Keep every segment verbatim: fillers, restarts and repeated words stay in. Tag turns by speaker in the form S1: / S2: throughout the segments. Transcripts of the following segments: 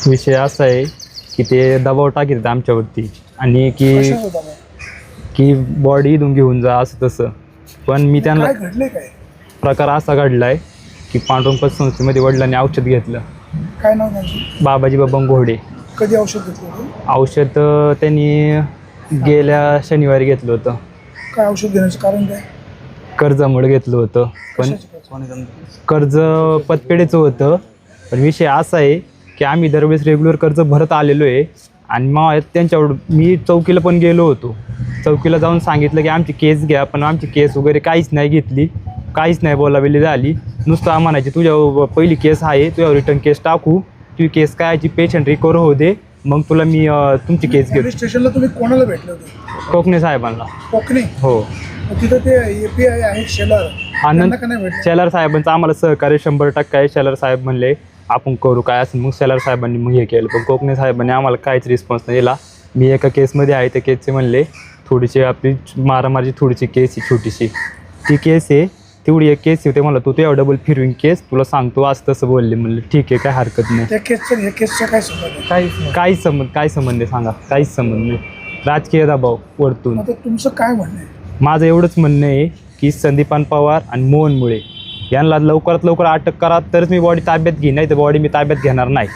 S1: विषय असा आहे की ते दबाव टाकीत आमच्यावरती आणि की
S2: कशाचा दबाव?
S1: की बॉडी इथून घेऊन जा असं तसं. पण मी त्यांना
S2: काय घडले काय?
S1: प्रकार असा घडला आहे की पांडुरंग पतसंस्थेमध्ये वडिलांनी औषध घेतलं.
S2: काय नाव त्यांचं?
S1: बाबाजी बबन घोडे.
S2: कधी औषध घेतलं होतं?
S1: औषध अं, त्यांनी गेल्या शनिवारी घेतलं होतं.
S2: काय औषध घेण्याचं कारण काय?
S1: कर्जामुळे घेतलं होतं. पण
S2: कशाचं कर्ज?
S1: कर्ज पतपेढीचं होतं. पण विषय असा आहे की आम्ही दरवेळेस रेग्युलर कर्ज भरत आलेलो आहे आणि मग त्यांच्यावर मी चौकीला पण गेलो होतो. चौकीला जाऊन सांगितलं की आमची केस घ्या, पण आमची केस वगैरे काहीच नाही घेतली, काहीच नाही बोलावेली झाली. नुसतं म्हणायची तुझ्या पहिली केस आहे, तुझ्यावर रिटर्न केस टाकू, तुझी केस काय याची पेशंट रिकवर होऊ दे, मग तुला मी अं, तुमची केस घेतो.
S2: पोलीस स्टेशनला तुम्ही कोणाला भेटले होते?
S1: कोकणे साहेबांना.
S2: कोकणे?
S1: हो.
S2: मग तिथं ते एपीआय आहे शेलार,
S1: आनंद
S2: त्यांना का नाही भेटले?
S1: शेलार साहेबांचं आम्हाला सहकार्य शंभर टक्के आहे. शेलार साहेब म्हणले आपण करू काय असेल, मग शेलार साहेबांनी मग हे केलं. पण कोकणे साहेबांनी आम्हाला काहीच रिस्पॉन्स नाही दिला. मी एका केसमध्ये आहे, त्या केसचे म्हणले थोडीशी आपली मारामारीची थोडीशी केस आहे छोटीशी, ती केस आहे तेवढी एक केस आहे. ते म्हणलं तू तुझ्या डबल फिरविंग केस तुला सांगतो असं तसं बोलले. म्हणलं ठीक आहे काय हरकत नाही.
S2: त्या केसचं या केसचा काय संबंध आहे?
S1: काहीच नाही. काहीच संबंध काय संबंध आहे सांगा? काहीच संबंध नाही. राजकीय दबाव वरतून.
S2: आता तुमचं काय म्हणणं आहे?
S1: माझं एवढंच म्हणणं आहे की संदीपान पवार आणि मोहन मुळे यांना लवकरात लवकर अटक करा, तरच मी बॉडी ताब्यात घेईन, नाही तर बॉडी मी ताब्यात घेणार नाही.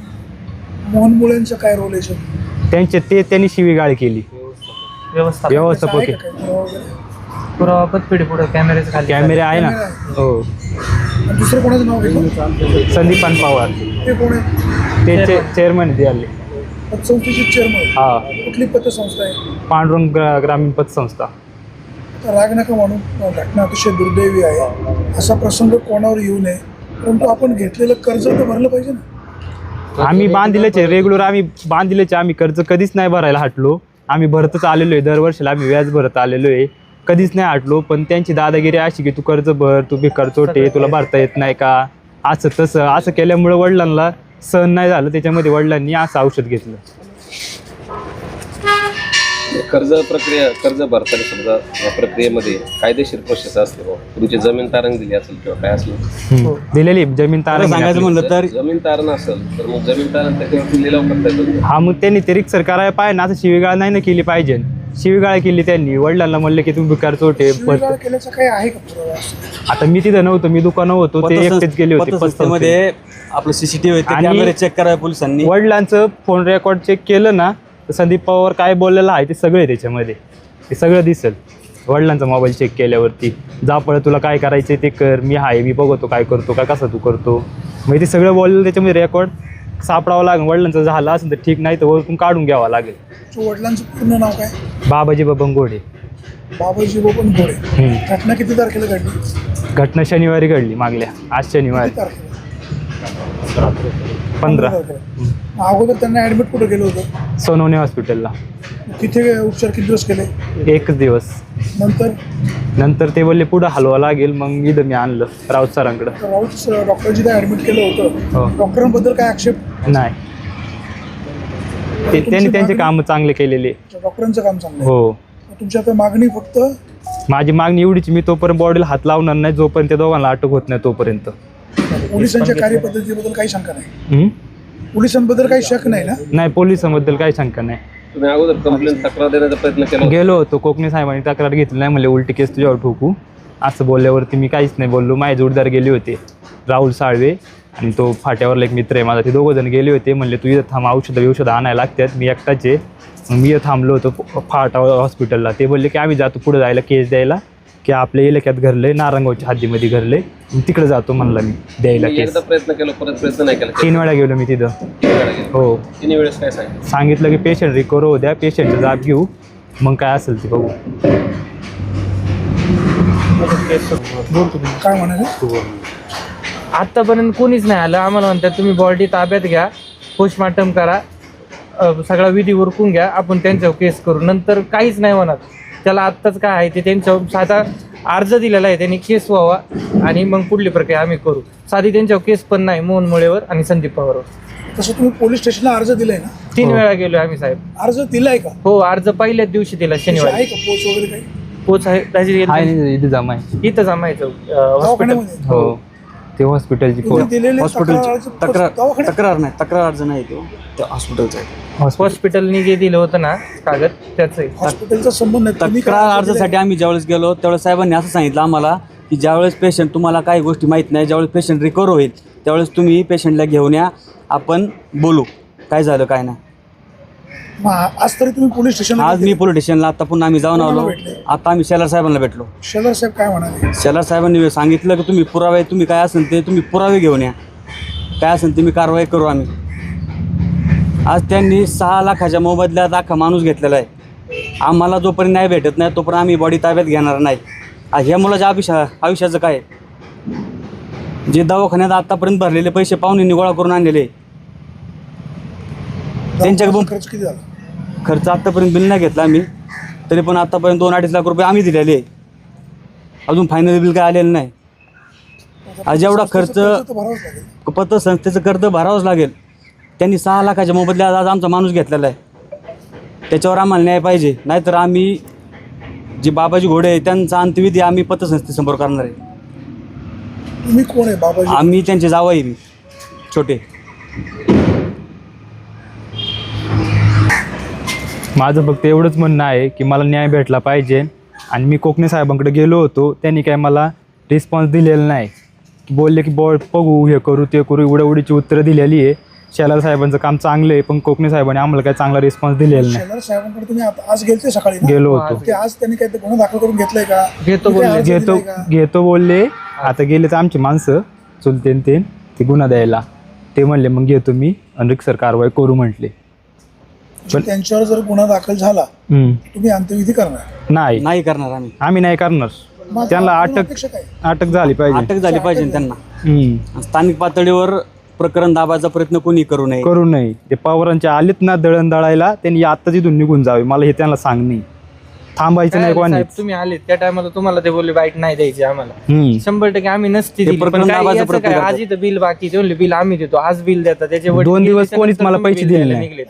S2: मोहन मुळेंचं काय रोल आहे?
S1: त्यांचे ते त्यांनी शिवीगाळ केली.
S3: व्यवस्था
S1: व्यवस्थापक
S2: आहे
S1: आहे.
S2: का काय? पुरावा वगैरे?
S3: पुरावा पतपेढी पुढे कॅमेरेच खाली
S1: कॅमेरे आहे ना.
S2: कॅमेरा आहे.
S1: हो.
S2: आणि दुसरं कोणाचं नाव घेतलं?
S1: संदीपान पवार
S2: ते कोण आहे?
S1: ते चेअरमन ते आले.
S2: पतसंस्थेचे चेअरमन?
S1: हा.
S2: कुठली पतसंस्था आहे?
S1: पांडुरंग ग्रा- ग्रामीण पतसंस्था.
S2: आता राग नका म्हणून, घटना अतिशय दुर्दैवी आहे. असा प्रसंग कोणावर येऊ नये, परंतु आपण घेतलेलं कर्ज तर भरलं पाहिजे ना.
S1: आम्ही बांधिलेचे रेग्युलर आम्ही बांधिलेचे आम्ही कर्ज कधीच नाही भरायला हटलो. आम्ही भरतच आलेलो आहे, दरवर्षीला आम्ही व्याज भरत आलेलो आहे, कधीच नाही हटलो. पण त्यांची दादागिरी अशी की तू कर्ज भर, तू बेकार चोटे, तुला भरता येत नाही का, असं तसं असं केल्यामुळे वडिलांना सहन नाही झालं. त्याच्यामध्ये वडिलांनी असं औषध घेतलं.
S4: कर्ज प्रक्रिया कर्ज भरताना समजा या प्रक्रियेमध्ये कायदेशीर प्रोसेस असते बा, तुमची जमीन तारण दिली असेल किंवा काय असेल,
S1: हम्म. दिलेली जमीन तारण
S5: सांगायचं म्हणलं तर
S4: जमीन तारण असेल तर मग जमीन तारण त्याच्यावरती लिलाव करता येतो.
S1: हा मग त्यांनी ते रिक्सर करायला पाहिजे ना. असं शिवीगाळ नाही ना केली पाहिजे. शिवीगाळ केली त्यांनी. वडिलांना म्हणलं की तुम्ही बेकार चोटे.
S2: शिवीगाळ केल्याचं काही आहे का पुरावा?
S1: आता मी तिथं नव्हतो, मी दुकानं होतो, ते एकटेच गेले होते.
S5: पतसंस्थेमध्ये आपलं सीसीटीव्ही
S1: आणि-
S5: कॅमेरे चेक करावे पोलिसांनी.
S1: वडिलांचं फोन रेकॉर्ड चेक केलं ना तर संदीप पवार काय बोललेलं आहे ते सगळे त्याच्यामध्ये ते सगळं दिसेल. वडिलांचा मोबाईल चेक केल्यावरती जा पळ तुला काय करायचं ते कर, मी आहे, मी बघतो काय करतो काय कसं तू करतो. मग ते सगळं बोललेलं त्याच्यामध्ये रेकॉर्ड सापडावं लागेल. वडिलांचं झालं असेल तर ठीक, नाही तर वरतून काढून घ्यावं लागेल.
S2: तुमच्या वडिलांचं पूर्ण नाव काय?
S1: बाबाजी बबन घोडे.
S2: बाबाजी बबन घोडे.
S1: हम्म.
S2: घटना किती तारखेला घडली?
S1: घटना शनिवारी घडली, मागल्या आज शनिवारी
S2: किती तारखेला?
S1: पंधरा.
S2: तारखेला. मग अगोदर त्यांना ऍडमिट कुठं केलं होतं?
S1: सोनवणे हॉस्पिटलला
S2: तिथे उपचार किती दिवस केले?
S1: एकच दिवस.
S2: नंतर
S1: नंतर ते बोलले पुढं हलवा लागेल, मग इथं मी आणलं राऊत सरांकडं.
S2: राऊत डॉक्टरजी काय ऍडमिट केलं होतं,
S1: हो.
S2: डॉक्टरांबद्दल काय आक्षेप?
S1: नाही, ते त्यांनी त्यांचे कामं चांगले केलेले.
S2: डॉक्टरांचं काम चांगलं आहे.
S1: हो.
S2: तुमची आता मागणी फक्त
S1: माझी मागणी एवढीच, मी तोपर्यंत बॉडीला हात लावणार नाही जोपर्यंत त्या दोघांना अटक होत नाही तोपर्यंत.
S2: पोलिसांच्या कार्यपद्धतीबद्दल काही शंका नाही?
S1: हम्म?
S2: पोलिसांबद्दल काही शक नाही ना?
S1: नाही, पोलिसांबद्दल काही शंका नाही.
S4: तुम्ही अगोदर कंप्लेंट तक्रार देण्याचा प्रयत्न केला होता?
S1: गेलो होतो, कोकणे साहेबांनी तक्रार घेतली नाही, म्हणले उलटी केस तुझ्यावर ठोकू. असं बोलल्यावरती मी काहीच नाही बोललो. माझे जोडदार गेले होते, राहुल साळवे आणि तो फाट्यावरला एक मित्र आहे माझा, ते दोघं जण गेले होते. म्हणले तू इथं थांब, औषधं औषधं आणायला लागतात, मी एकटाचे. मग मी इथं थांबलो होतो फाटा हॉस्पिटलला. ते बोलले की आम्ही जातो पुढे जायला केस द्यायला, की आपल्या इलाक्यात घरले नारंगावच्या हद्दीमध्ये घरले, तिकडे जातो म्हणला मी द्यायला
S4: तुम्ही
S1: केस.
S4: एकदा प्रयत्न केला, परत प्रयत्न नाही केला?
S1: तीन वेळा गेलो मी तिथं.
S4: तीन वेळा गेला.
S1: हो.
S4: तिन्ही वेळेस काय सांगितलं?
S1: सांगितलं की पेशंट रिकवर होऊ द्या, पेशंटचा जाब घेऊ, मग काय असेल ते बघू.
S2: काय म्हणाले?
S3: आतापर्यंत कोणीच नाही आलं. आम्हाला म्हणतात तुम्ही बॉडी ताब्यात घ्या, पोस्टमॉर्टम करा, अ, सगळा विधी उरकून घ्या, आपण त्यांच्यावर केस करू. नंतर काहीच नाही म्हणत. त्याला आत्ताच काय आहे ते त्यांच्यावर साधा अर्ज दिलेला आहे, त्यांनी केस व्हावा आणि मग पुढली प्रक्रिया आम्ही करू. साधी त्यांच्यावर केस पण नाही मोहन मुळेवर आणि संदीप पवारवर.
S2: तसं तुम्ही पोलीस स्टेशनला अर्ज दिलाय ना?
S3: तीन
S1: हो.
S3: वेळा गेलो आम्ही साहेब.
S2: अर्ज दिलाय का?
S3: हो, अर्ज पहिल्याच दिवशी दिला शनिवारी.
S2: आहे का पोच वगैरे काही?
S3: पोच आहे त्याची
S1: आहे इथे जमा आहे.
S3: इथं जमायचं हॉस्पिटल.
S2: दवाखान्यामध्ये?
S1: हो. ते हॉस्पिटलची
S2: तुम्ही
S1: फोन
S2: दिलेले
S5: हॉस्पिटलची
S2: तक्रार
S5: तक्रार
S2: दवाखान्यात
S5: तक्रार नाही तक्रार अर्ज नाही तो त्या हॉस्पिटलचा आहे.
S3: हॉस्पिटलनी जे दिलं होतं ना कागद त्याचं आहे.
S2: हॉस्पिटलचा संबंध नाही. तुम्ही काय
S5: तक्रार
S2: अर्ज दिलाय?
S5: अर्जासाठी आम्ही ज्यावेळेस गेलो त्यावेळेस साहेबांनी असं सांगितलं आम्हाला की ज्यावेळेस पेशंट तुम्हाला काही गोष्टी माहीत नाही, ज्यावेळेस पेशंट रिकवर होईल त्यावेळेस तुम्ही पेशंटला घेऊन या, आपण बोलू काय झालं काय नाही.
S2: मग आज तरी तुम्ही पोलीस स्टेशनला
S5: आज मी पोलीस स्टेशनला आता पुन्हा आम्ही जाऊन आलो.
S2: भेटले?
S5: आता आम्ही शेलार साहेबांना भेटलो.
S2: शेलार साहेब काय म्हणाले?
S5: शेलार साहेबांनी सांगितलं की तुम्ही पुरावे तुम्ही काय असेल ते तुम्ही पुरावे घेऊन या, काय असेल ते मी कारवाई करू आम्ही. आज त्यांनी सहा लाखाच्या मोबदल्यात अख्खा माणूस घेतलेला आहे. आम्हाला जोपर्यंत नाही भेटत नाही तोपर्यंत आम्ही बॉडी ताब्यात घेणार नाही. आज ह्या मुलाच्या आयुष्या आयुष्याचं काय, जे दवाखान्यात आतापर्यंत भरलेले पैसे पाहुणे गोळा करून आणलेले, त्यांच्या
S2: दवाखान्याचा खर्च किती झाला?
S5: खर्च आत्तापर्यंत बिल नाही घेतला आम्ही, तरी पण आत्तापर्यंत दोन अडीच लाख रुपये आम्ही दिलेले. अजून फायनल बिल काय आलेलं नाही. आज एवढा खर्च
S2: तर भरावाच लागेल.
S5: पतसंस्थेचं कर्ज भरावंच लागेल. त्यांनी सहा लाखाच्या मोबदल्यात आज आमचा माणूस घेतलेला आहे. त्याच्यावर आम्हाला न्याय पाहिजे, नाहीतर आम्ही जे बाबाजी घोडे आहे त्यांचा अंत्यविधी आम्ही पतसंस्थेसमोर करणार आहे.
S2: तुम्ही कोण आहे बाबाजी?
S5: आम्ही त्यांचे जावई मी छोटे.
S1: माझं फक्त एवढंच म्हणणं आहे की मला न्याय भेटला पाहिजे. आणि मी कोकणे साहेबांकडे गेलो होतो, त्यांनी काय मला रिस्पॉन्स दिलेला नाही. बोलले की बॉ बघू, हे करू ते करू, एवढ्यावढीची उत्तरं दिलेली आहे. शेलार साहेबांचं काम चांगलं आहे, पण कोकणे साहेबांनी आम्हाला काय चांगला रिस्पॉन्स दिलेला नाही.
S2: शेलार साहेबांकडे तुम्ही आता आज गेलते सकाळी ना?
S1: गेलो होतो,
S2: ते आज त्यांनी काय ते गुन्हा दाखल करून घेतलाय का?
S3: घेतो
S2: तुम्ही काय
S3: बोलले.
S2: अर्ज
S1: घेतो
S2: दिलाय का?
S1: घेतो बोलले. आता गेले तर आमची माणसं चुलते न ते ते गुन्हा द्यायला. ते म्हणले मग घेतो मी आणि रिक्सर कारवाई करू म्हटले.
S2: म्हणजे त्यांच्यावर जर गुन्हा दाखल झाला
S1: हम्म.
S2: तुम्ही अंत्यविधी करणार?
S1: नाही,
S5: नाही करणार आम्ही.
S1: आम्ही नाही करणार.
S2: मग
S1: त्यांना
S2: आपली
S1: अटक
S2: अपेक्षा काय?
S1: अटक झाली पाहिजे.
S5: अटक झाली पाहिजे त्यांना.
S1: हम्म.
S5: स्थानिक पातळीवर प्रकरण दाबायचा प्रयत्न कोणी करू नये.
S1: करू नये. ते पवारांचे आलेत ना दळण दळायला, त्यांनी आत्ताच इथून निघून जावे. मला हे त्यांना सांगणे, थांबायचं नाही
S3: काय
S1: कोणी.
S3: साहेब, तुम्ही आले त्या टायमाला तुम्हाला ते बोलले बाईट नाही द्यायची आम्हाला.
S1: हम्म.
S3: शंभर टक्के आम्ही नसती
S5: ते
S3: दिली. पण
S5: प्रकरण
S3: काय
S5: दाबायचा
S3: याचं
S5: प्रयत्न
S3: काय,
S5: करतात.
S3: आज इथं बिल बाकी ते म्हणले बिल आम्ही देतो, आज बिल देतात. त्याचे वडील
S1: दोन
S3: गेले,
S1: दिवस
S3: त्याच्यानंतर
S1: कोणीच मला
S3: तुम्ही
S1: पैसे
S3: बिल
S1: दिले
S3: द्यायला
S1: नाही.
S3: निघलेत.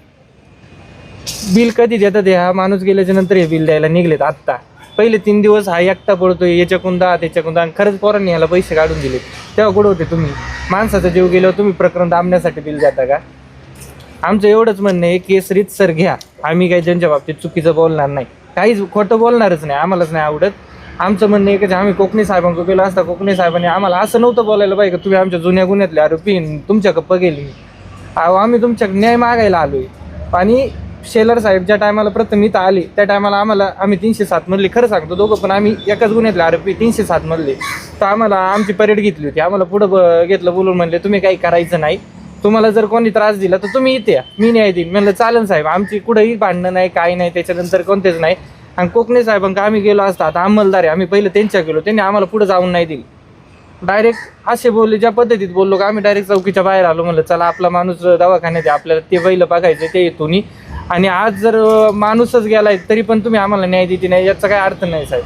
S3: बिल कधी देतात हे? हा माणूस गेल्याच्या नंतर हे बिल द्यायला निघलेत. आत्ता पहिले तीन दिवस हा एकटा पडतोय, याच्याकडून दहा त्याच्याकडून दहा, आणि खरंच पोरांनी ह्याला पैसे काढून दिले. तेव्हा कुठं होते तुम्ही? माणसाचा जीव गेल्यावर तुम्ही प्रकरण दाबण्यासाठी बिल देता का? आमचं एवढंच म्हणणं आहे, केस रीतसर घ्या. आम्ही काही त्यांच्या बाबतीत चुकीचं बोलणार नाही, काहीच खोटं बोलणारच नाही. आम्हालाच नाही आवडत. आमचं म्हणणं आहे की आम्ही कोकणी साहेबांकडे गेलो असता, कोकणी साहेबांनी आम्हाला असं नव्हतं बोलायला पाहिजे की तुम्ही आमच्या जुन्या गुन्ह्यातले आरोपी तुमच्या गप्प गेली. अहो, आम्ही तुमच्या न्याय मागायला आलोय. आणि शेलार साहेब ज्या टायमाला प्रथम इथं आले त्या टायमाला आम्हाला, आम्ही तीनशे सात मधले, खरं सांगतो दोघं पण आम्ही एकाच गुन्ह्यातले आरोपी तीनशे सात मधले, तर आम्हाला आमची परेड घेतली होती. आम्हाला पुढं ब- घेतलं बोलून म्हणले तुम्ही काही करायचं नाही, तुम्हाला जर कोणी त्रास दिला तर तुम्ही इथे या, मी न्याय देईन. म्हणलं चालेल साहेब, आमची कुठंही भांडणं नाही, काही नाही, त्याच्यानंतर कोणतेच नाही. आणि कोकणे साहेबांका आम्ही गेलो असता, आता अंमलदार आहे, आम्ही पहिले त्यांच्या गेलो, त्यांनी आम्हाला पुढे जाऊन नाही दिली. डायरेक्ट असे बोलले, ज्या पद्धतीत बोललो का आम्ही डायरेक्ट चौकीच्या बाहेर आलो. म्हणलं चला आपला माणूस दवाखान्यात आहे, आपल्याला ते पहिलं बघायचं ते येतो. आणि आज जर माणूसच गेलाय तरी पण तुम्ही आम्हाला न्याय देते नाही, याचा काय अर्थ नाही साहेब.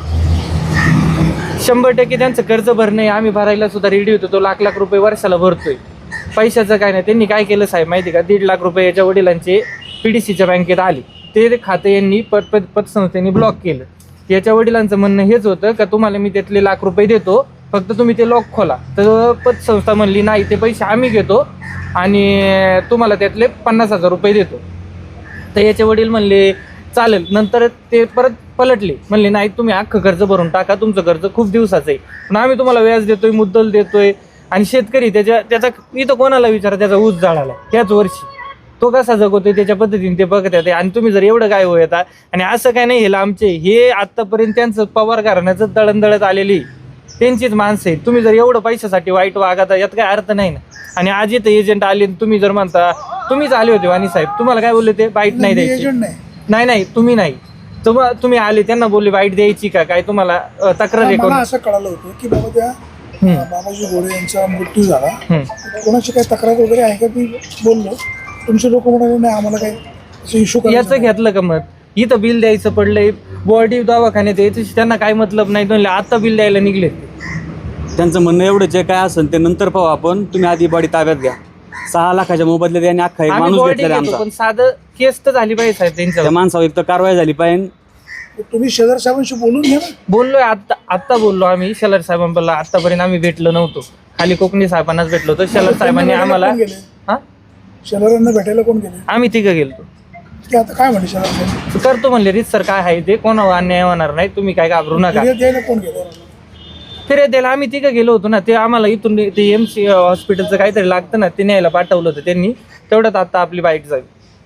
S3: शंभर टक्के त्यांचं कर्ज भरणे आम्ही भरायला सुद्धा रेडी होतो. तो लाख लाख रुपये वर्षाला भरतोय. पैशाचं काय नाही. त्यांनी काय केलं साहेब माहिती का, दीड लाख रुपये याच्या वडिलांचे पी डी सीच्या बँकेत आले, ते खाते यांनी पत पत पतसंस्थेने ब्लॉक केलं. याच्या वडिलांचं म्हणणं हेच होतं का तुम्हाला मी त्यातले लाख रुपये देतो, फक्त तुम्ही ते लॉक खोला. तर पतसंस्था म्हणली नाही, ते पैसे आम्ही घेतो आणि तुम्हाला त्यातले पन्नास हजार रुपये देतो. तर याचे वडील म्हणले चालेल. नंतर ते परत पलटले, म्हणले नाही तुम्ही अख्खं कर्ज भरून टाका, तुमचं कर्ज खूप दिवसाचं आहे, पण आम्ही तुम्हाला व्याज देतोय, मुद्दल देतोय. आणि शेतकरी त्याच्या त्याचा इथं कोणाला विचारा, त्याचा ऊस जाळाला त्याच वर्षी, तो कसा जगवतोय त्याच्या पद्धतीने ते बघत येते. आणि तुम्ही जर एवढं काय येतात, आणि असं काय नाही, हे आमचे हे आत्तापर्यंत त्यांचं पवार घराण्याचं दळणदळत आलेली त्यांचीच माणसं आहेत. तुम्ही जर एवढं पैशासाठी वाईट वागता, यात काय अर्थ नाही ना. आणि आज इथं एजंट आले, तुम्ही जर म्हणता, तुम्हीच आले होते वाणी साहेब, तुम्हाला काय बोलले ते बाईट नाही द्यायची?
S2: एजंट नाही.
S3: नाही नाही तुम्ही नाही, तुम्हा तुम्ही आले त्यांना बोलले बाईट द्यायची का काय, तुम्हाला अ, तक्रार आहे
S2: मला
S3: कोण?
S2: असं कळालं होतं की बाबा त्या
S3: हम्म.
S2: बाबाजी घोडे यांचा मृत्यू झाला,
S3: हम्म.
S2: कोणाची काही तक्रार वगैरे आहे का? ती बोललो, तुमचे लोक म्हणाले नाही आम्हाला काही असं इश्यू
S3: याचं घेतलं का मत? इथं बिल द्यायचं पडलंय, बॉडी दवाखान्यात यायचं त्यांना काय मतलब नाही. म्हणले आता बिल द्यायला निघले.
S5: त्यांचं म्हणणं एवढंच आहे, काय असेल ते नंतर पाहू आपण, तुम्ही आधी बॉडी ताब्यात घ्या. सहा लाखाच्या मोबदल्यात यांनी अख्खा एक
S3: आम्ही
S5: माणूस
S3: बॉडी
S5: घेतलेला
S3: घेतो,
S5: आमचा.
S3: पण साधं केस तर झाली पाहिजे साहेब त्यांच्यावर.
S5: त्या माणसावर एक तर कारवाई झाली पाहिजे.
S2: तुम्ही शेजार साहेबांशी बोलून घ्या ना.
S3: बोललोय आत्ता आत्ता बोललो आम्ही शेलार साहेबांना. आतापर्यंत आम्ही भेटलो नव्हतो, खाली कोकणी साहेबांनाच भेटलो होतो. शेलार साहेबांनी आम्हाला
S2: कोण गेले
S3: हा
S2: शेजाऱ्यांना भेटायला कोण गेले
S3: आम्ही तिघं गेलतो.
S2: ते आता काय म्हणले शेजार साहेब?
S3: करतो म्हणले रीत सर काय आहे ते, कोणावर अन्याय होणार नाही, तुम्ही काय घाबरू नका.
S2: फिर्याद द्यायला कोण गेले?
S3: फिर्याद द्यायला आम्ही तिघं गेलो होतो ना. ते आम्हाला इथून ते एम सी हॉस्पिटलचं काहीतरी लागतं ना, ते न्यायला पाठवलं होतं त्यांनी. तेवढ्यात आता आपली बाईट जाईल.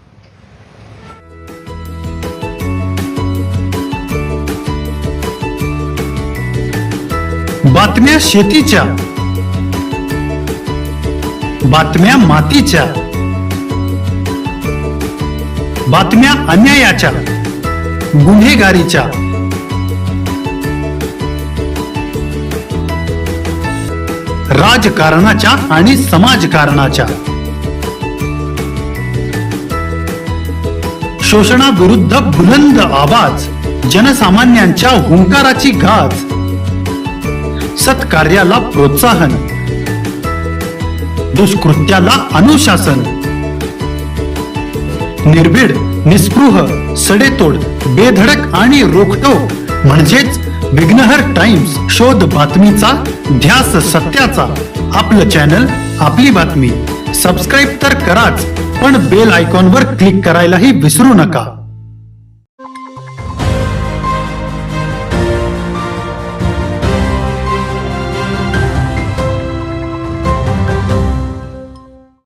S6: बातम्या शेतीच्या, बातम्या मातीच्या, बातम्या अन्यायाच्या, गुन्हेगारीच्या, राजकारणाच्या आणि समाजकारणाच्या, शोषणाविरुद्ध बुलंद आवाज, जनसामान्यांच्या हुंकाराची गाज, सत्कार्याला प्रोत्साहन, दुष्कृत्याला अनुशासन, निर्भीड, निस्पृह, सडेतोड, बेधडक आणि रोखटोक म्हणजेच विघ्नहर टाइम्स. शोध बातमीचा, ध्यास सत्याचा. आपलं चॅनल, आपली बातमी. सबस्क्राईब तर कराच, पण बेल आयकॉनवर क्लिक करायलाही विसरू नका.